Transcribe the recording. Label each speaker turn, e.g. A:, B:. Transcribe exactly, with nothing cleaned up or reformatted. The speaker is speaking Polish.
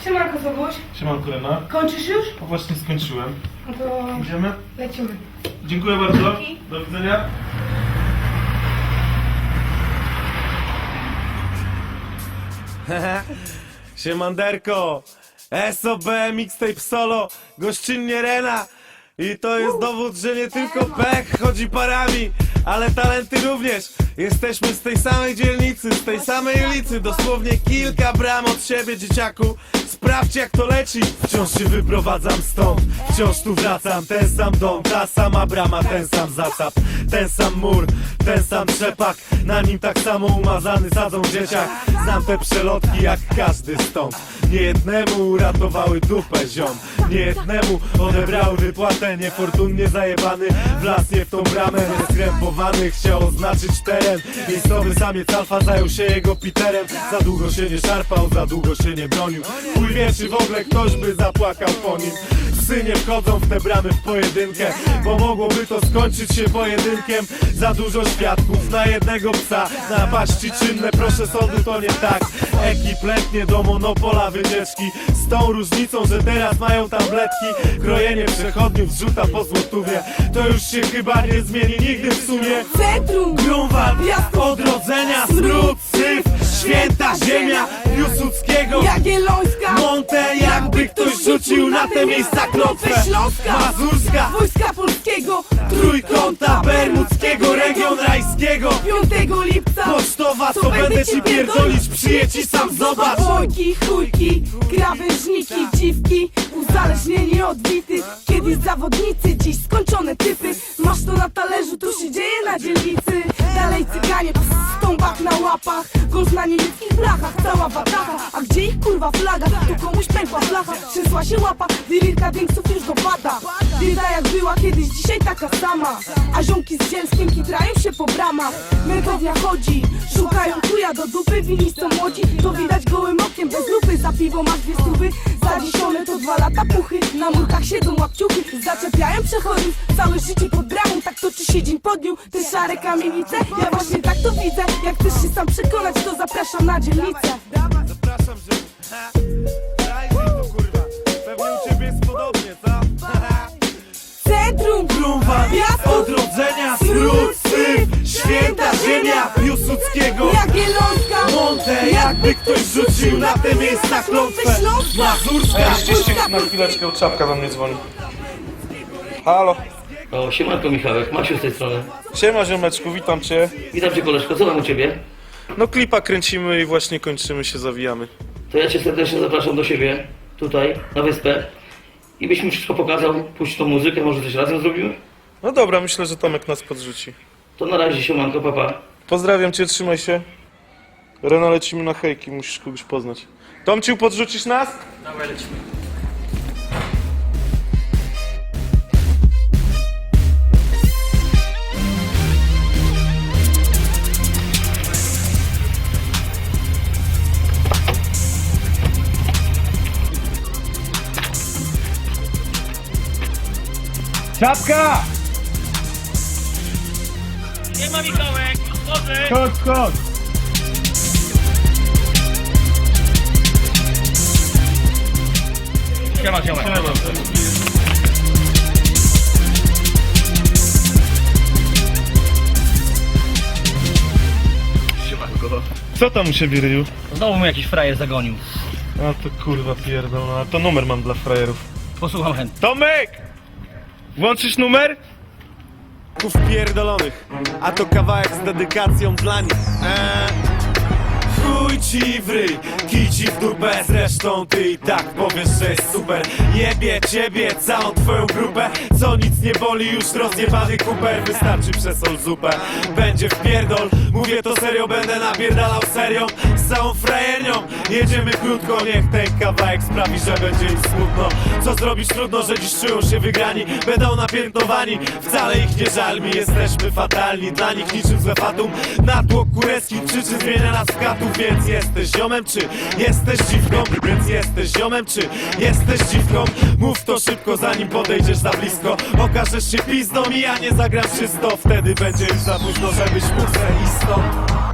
A: Siemanko, Sobuś.
B: Siemanko, Lena.
A: Kończysz już?
B: No właśnie skończyłem.
A: No to
B: Idziemy?
A: lecimy.
B: Dziękuję bardzo.
A: Dzięki.
B: Do widzenia.
C: Siemanderko, S O B, mixtape solo, gościnnie Rena. I to jest dowód, że nie tylko pech chodzi parami, ale talenty również. Jesteśmy z tej samej dzielnicy, z tej samej ulicy, dosłownie kilka bram od siebie, dzieciaku. Sprawdź, jak to leci. Wciąż się wyprowadzam stąd, wciąż tu wracam. Ten sam dom, ta sama brama, ten sam zasap, ten sam mur, ten sam trzepak. Na nim tak samo umazany sadzą dzieciak. Znam te przelotki jak każdy stąd. Niejednemu uratowały dupę, ziom. Niejednemu odebrały wypłatę. Niefortunnie zajebany w las, nie w tą bramę. Skrępowany chciał oznaczyć teren. Miejscowy samiec alfa zajął się jego Peterem. Za długo się nie szarpał, za długo się nie bronił. Chuj wie, czy w ogóle ktoś by zapłakał po nim. Psy nie wchodzą w te bramy w pojedynkę, bo mogłoby to skończyć się pojedynkiem. Za dużo świadków na jednego psa. Napaści czynne, proszę sądu, to nie tak. Ekip letnie do monopola wycieczki, z tą różnicą, że teraz mają tabletki. Krojenie przechodniów zrzuta po złotówie, to już się chyba nie zmieni nigdy w sumie.
D: Centrum,
C: Grunwald, odrodzenia, smród, syf, święta ziemia Piłsudskiego,
D: Jagiellońska,
C: Monte, jakby ktoś rzucił na te miejsca klątwę.
D: Śląska,
C: Mazurska,
D: Wojska Polskiego,
C: Trójkąta Bermudzkiego, region rajskiego,
D: piątego lipca,
C: pocztowa, co będę ci pierdolić, przyjedź i sam zobacz.
D: Bojki, chujki, krawężniki, dziwki, uzależnieni od bity. Kiedyś zawodnicy, dziś skończone typy. Masz to na talerzu, tu się dzieje na dzielnicy. Dalej cyganie, ps, stąbak na łapach, golf na niemieckich blachach, cała watacha. A gdzie ich kurwa flaga? Tu komuś pękła flacha, trzęsła się łapa, lirika więksów już dopada. Bieda jak była kiedyś, dzisiaj taka sama. A ziomki z zielskiem kitrają się po bramach. Mętownia chodzi, szukają chuja do dupy. Wini są młodzi, to widać gołym okiem bez lupy. Za piwo masz dwie stówy, za dziesiąte to dwa lata puchy. Na murkach siedzą łapciuchy, zaczepiają przechodniów. Całe życie pod bramą, tak toczy się dzień po dniu. Te szare kamienice, ja właśnie tak to widzę. Jak chcesz się sam przekonać, to zapraszam na dzielnicę.
C: Zapraszam, że... Ha, daj mi to, kurwa. Pewnie u ciebie jest podobnie, co?
D: Centrum,
C: Grunwald,
D: miasto,
C: odrodzenia, smród, syf, święta ziemia Piłsudskiego,
D: Jagiellońska,
C: Monte, jakby ktoś rzucił na te miejsca klątwę. Mazurska,
B: Ściście na chwileczkę, czapka do mnie dzwoni. Halo.
E: O, siemanko Michałek, Maciu z tej strony.
B: Siema ziomeczku, witam cię.
E: Witam cię koleżko, co tam u ciebie?
B: No klipa kręcimy i właśnie kończymy się, zawijamy.
E: To ja cię serdecznie zapraszam do siebie, tutaj, na wyspę. I byś mi wszystko pokazał, puść tą muzykę, może coś razem zrobimy?
B: No dobra, myślę, że Tomek nas podrzuci.
E: To na razie, siemanko, papa.
B: Pozdrawiam cię, trzymaj się. Reno, lecimy na hejki, musisz kogoś poznać. Tomciu, podrzucisz nas?
E: Dawaj, lecimy.
B: Czapka!
E: Nie ma Michałek, chodzę!
B: Chodź, chodź!
E: Siema, siema. Siemanko.
B: Co tam u siebie, Ryju?
E: Znowu mnie jakiś frajer zagonił.
B: A to kurwa pierdolona, a to numer mam dla frajerów.
E: Posłucham chętnie.
B: Tomek! Włączysz numer?
C: Ków pierdolonych, a to kawałek z dedykacją dla nich. Eee. Chuj ci w ryj, kij ci w dupę. Zresztą ty i tak powiesz, że jest super. Jebie ciebie, całą twoją grupę. Co nic nie boli, już rozjebany kuper. Wystarczy przesol zupę, będzie wpierdol. Mówię to serio, będę napierdalał serią. Z całą frajernią jedziemy krótko. Niech ten kawałek sprawi, że będzie im smutno. Co zrobić trudno, że dziś czują się wygrani. Będą napiętnowani, wcale ich nie żal mi. Jesteśmy fatalni, dla nich niczym złe fatum. Natłok kureskich przyczyn zmienia nas w katów. Więc jesteś ziomem, czy jesteś dziwką? Więc jesteś ziomem, czy jesteś dziwką? Mów to szybko, zanim podejdziesz za blisko. Okażesz się pizdą i ja nie zagram czysto. Wtedy będzie już za późno, żebyś mógł iść stąd.